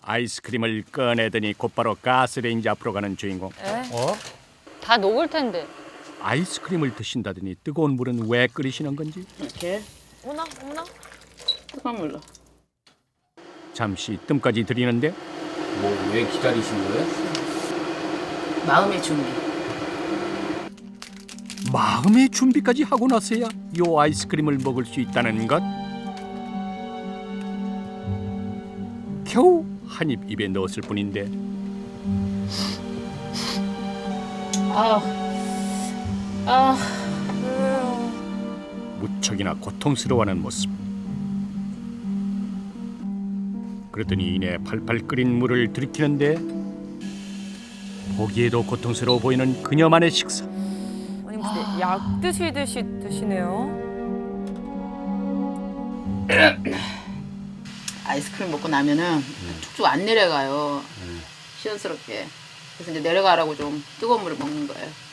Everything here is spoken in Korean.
아이스크림을 꺼내더니 곧바로 가스레인지 앞으로 가는 주인공. 다 녹을 텐데. 아이스크림을 드신다더니 뜨거운 물은 왜 끓이시는 건지. 이렇게 어머나 어머나. 뜨거운 물로. 잠시 뜸까지 들이는데 뭐 왜 기다리신 거예요? 마음의 준비. 마음의 준비까지 하고 나서야 요 아이스크림을 먹을 수 있다는 것. 겨우 한 입 입에 넣었을 뿐인데 무척이나 고통스러워하는 모습. 그러더니 이내 팔팔 끓인 물을 들이키는데 보기에도 고통스러워 보이는 그녀만의 식사. 아니 무슨 약 드시듯이 드시네요. 아이스크림 먹고 나면은 쭉쭉 안 내려가요. 시원스럽게. 그래서 이제 내려가라고 좀 뜨거운 물을 먹는 거예요.